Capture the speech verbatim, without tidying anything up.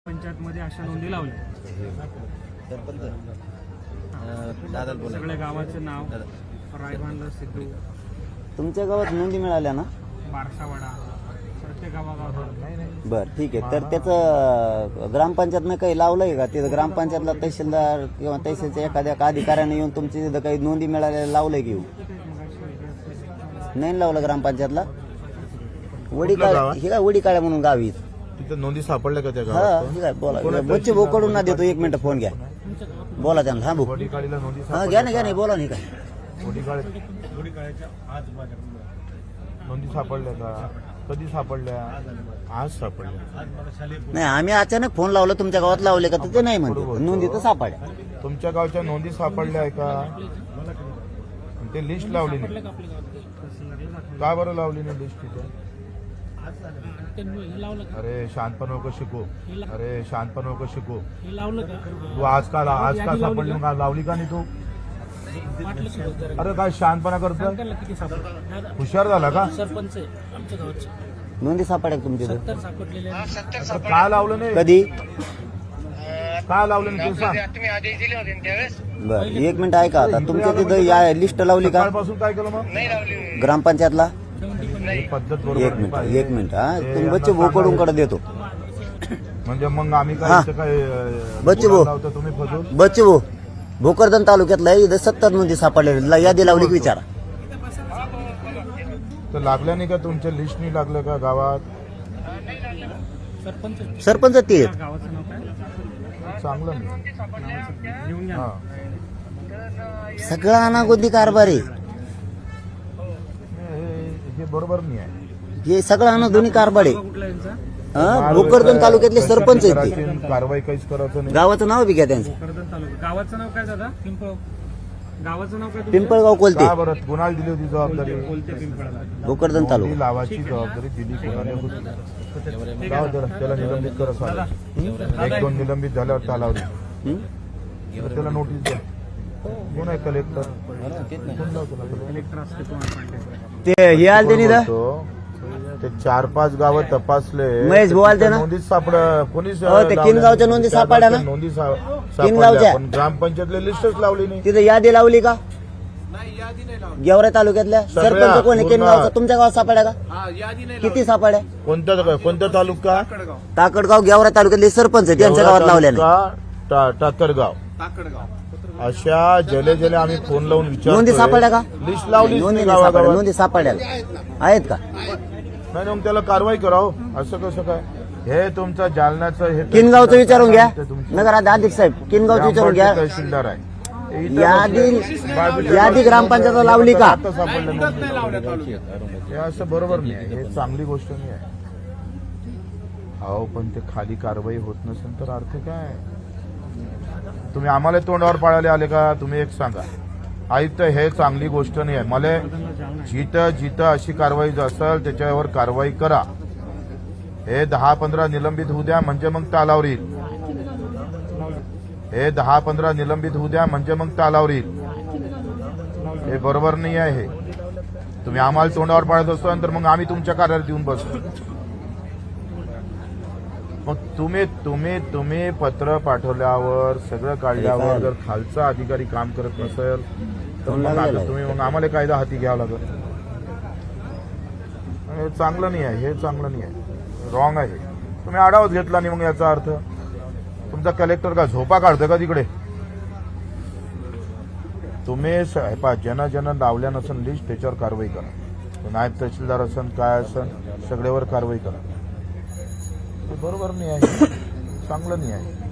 पंचायत मध्ये अशा नोंदी लावल्या. सगळ्या गावाचं नाव रायभांड सिद्धू तुमच्या गावात नोंदी मिळाल्या ना? बारसावाडा प्रत्येक गावागावात. बर ठीक आहे. तर त्याचं ग्रामपंचायतनं काही लावलंय का? तिथं ग्रामपंचायतला तहसीलदार किंवा तहसीलच्या एखाद्या अधिकाऱ्याने येऊन तुमची तिथं काही नोंदी मिळाल्या लावलंय की नाही लावलं ग्रामपंचायतला? वडी काळ हे काय वडी काळ्या म्हणून गावी तिथे नोंदी सापडल्या का त्या हा गावात? हे काय बोला बच्चे भाऊ कडून ना देतो. एक मिनिट फोन घ्या, बोला त्यांना. हा भाऊ वडीकाळीला नोंदी हा घ्या ना घ्या नाही बोला नाही काय वडीकाळी नोंदी सापडल्या का? कधी सापडल्या? आज सापडल्या. नाही आम्ही अचानक फोन लावला तुमच्या गावात लावले का? तर ते नाही म्हणतो नोंदी तर सापड्या. तुमच्या गावच्या नोंदी सापडल्या आहे का? ते लिस्ट लावली नाही का? बरं लावली नाही लिस्ट तिथे? अरे शांतपण नको शिकू. अरे शांतपण नको शिकू. तू आज का आज का सापडली का? लावली का नाही तू? अरे काय शांतपणा करतो? हुशार झाला का? सरपंच आहे आमच्या गावाचे. नोंदी सापड्या का तुमच्या इथं? तर का लावलं नाही? कधी का लावलं नाही? तू सांग. बर एक मिनिट ऐका. आता तुमच्या तिथं या लिस्ट लावली का सकाळपासून काय केलं मग? ग्रामपंचायतला? ही पद्धत एक बरोबर मिनिट नाही. एक मिनिट हा तुम्ही बच्चे भाऊ कडून कडे देतो. म्हणजे मग आम्ही हा. काय इथं काय अं, बच्चे भाऊ. लावतो तुम्ही फजून? बच्चे भाऊ भोकरदन तालुक्यातला इथं सत्तर नोंदी सापडलेल्या यादी लावली की विचारा. तर लागल्या नाही का? तुमच्या लिस्ट नाही लागलं का गावात? सरपंच सरपंच ते आहेत. गावाचं नाव काय? चांगलं नाही. लिहून घ्या. हा. सगळा अनागोंदी कारभार आहे हे- हे बरोबर नाही आहे. हे सगळा अनागोंदी कारभार आहे. कुठला यांचा? हा भोकरदन तालुक्यातले सरपंच आहेत ते. करायची, कारवाई काहीच करायचं नाही. गावाचं नाव बी घ्या त्यांचं. कर्जत तालुका. गावाचं नाव काय दादा? पिंपळ. गावाचं नाव काय तुमचं? पिंपळगाव कोलते का बरं कुणाला दिली होती जबाबदारी? कोलते पिंपळगाव. भोकरदन नोंदी तालुका. लावाची जबाबदारी दिली कोणाला होती? जाऊ दे, त्याला निलंबित करा साहेब. एक दोन निलंबित झाल्यावर चालावली हं? तर त्याला नोटीस द्या. कोण आहे कलेक्टर? कोण लावतो ना? कलेक्टर असते तुम्हाला पाहिजे. ते हे आलते नि दा? बोलतो, ते चार पाच गावं तपासले. महेश भाऊ आलते ना? नोंदीत सापड कोणीच हो, ते किनगावच्या नोंदी सापडल्या ना? नोंदी सा- किनगावच्या. सापडल्या पण ग्रामपंचायतले लिस्टच लावली नाही. तिथं यादी लावली का? गेवरा तालुक्यातल्या सगळ्या सरपंच कोणी पूर्ण. किनगावचा तुमच्या गावात सापड्या का? किती सापड्या? कोणता कोणता तालुका? ताकडगाव गेवरा तालुक्यातले सरपंच आहेत, त्यांच्या गावात लावल्या नाही. तालुका, टा- टाकरगाव अशा जले जले आम्ही फोन लावून नोंदी सापड्या का? लिस्ट लावली नोंदी नाही सापड्या. नोंदी सापड्या आहेत का? नाही मग त्याला कारवाई करावं. असं कसं काय? हे तुमचं जालन्याचं हे किनगावचं विचारून घ्या. ते तुमचं- नगर अधिक साहेब किनगावचं विचारून घ्या. तहसीलदार आहे. इथं यादी बाजूच्या- यादी ग्रामपंचायत लावली का? आता सापडलं नोंदी. हे असं बरोबर नाही आहे. हे चांगली गोष्ट नाही आहे. अहो पण ते खाली कारवाई होत नसेल तर अर्थ काय? तुम्ही आम्हाला तोंडावर पाळायला आले का? तुम्ही एक सांगा. आयुक्त हे चांगली गोष्ट नाही आहे. मला जिथं जिथं अशी कारवाई असेल त्याच्यावर कारवाई करा. हे दहा पंधरा निलंबित होऊ द्या म्हणजे मग तालावर येईल. हे दहा पंधरा निलंबित होऊ द्या म्हणजे मग तालावर येईल. हे बरोबर नाही आहे. हे तुम्ही आम्हाला तोंडावर पाळत असाल तर मग आम्ही तुमच्या कार्यालयात येऊन बसतो. मग तुम्ही तुम्ही तुम्ही पत्र पाठवल्यावर सगळं काढल्यावर जर खालचा अधिकारी काम करत नसेल तर मग आता तुम्ही मग आम्हाला कायदा हाती घ्यावा लागेल. हे चांगलं नाही आहे. हे चांगलं नाही आहे. रॉंग आहे. तुम्ही आढावाच घेतला नाही मग याचा अर्थ तुमचा कलेक्टर का झोपा काढतो का तिकडे? तुम्ही ज्यांना ज्यांना लावल्या नसेल लिस्ट त्याच्यावर कारवाई करा. नायब तहसीलदार असन काय असन सगळ्यावर कारवाई करा. बरोबर नाही आहे. चांगलं नाही आहे.